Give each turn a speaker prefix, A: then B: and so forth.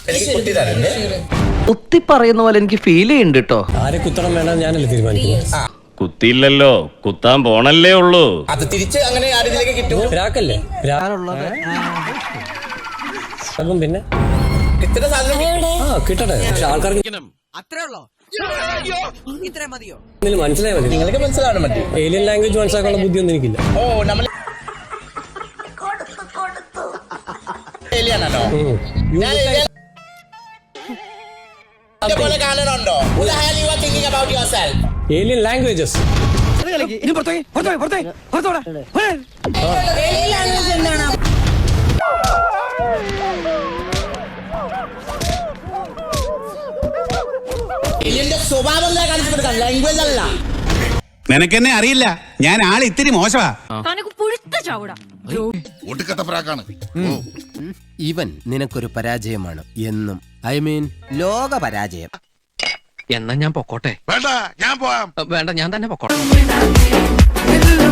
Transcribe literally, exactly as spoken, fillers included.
A: കുത്തി പറയുന്ന പോലെ എനിക്ക് ഫീൽ ചെയ്യുന്നുണ്ട് കേട്ടോ.
B: ആരെ കുത്തണം വേണം ഞാനല്ലേ തീരുമാനിക്കുന്നത്.
C: കുത്തിയില്ലല്ലോ, കുത്താൻ പോണല്ലേ ഉള്ളൂ.
D: അത് തിരിച്ച് അങ്ങനെ ആരിലേക്ക് കിട്ടും.
B: രാക്കല്ലേ പിന്നെ
D: ഇത്ര സാധനം
B: ആ കിട്ടട്ടെ. പക്ഷെ ആൾക്കാർക്ക് മനസ്സിലായ മതി.
D: നിങ്ങൾക്ക് മനസ്സിലാവണം മതി.
B: ഏലിയൻ ലാംഗ്വേജ് മനസ്സിലാക്കാനുള്ള ബുദ്ധിയൊന്നും എനിക്കില്ല.
D: ഓ നമ്മൾ ഏലിയനാണോ? പോലെ കാണണുണ്ടോ?
B: ഏലിയൻ ലാംഗ്വേജസ്
D: സ്വഭാവം ലാംഗ്വേജ് അല്ല.
E: നിനക്കെന്നെ അറിയില്ല, ഞാൻ ആൾ ഇത്തിരി മോശമാ.
F: ഇവൻ നിനക്കൊരു പരാജയമാണ് എന്നും. ഐ മീൻ ലോക പരാജയം.
A: എന്നാ ഞാൻ പൊക്കോട്ടെ.
E: വേണ്ട, ഞാൻ പോവാം.
A: വേണ്ട, ഞാൻ തന്നെ പൊക്കോട്ടെ.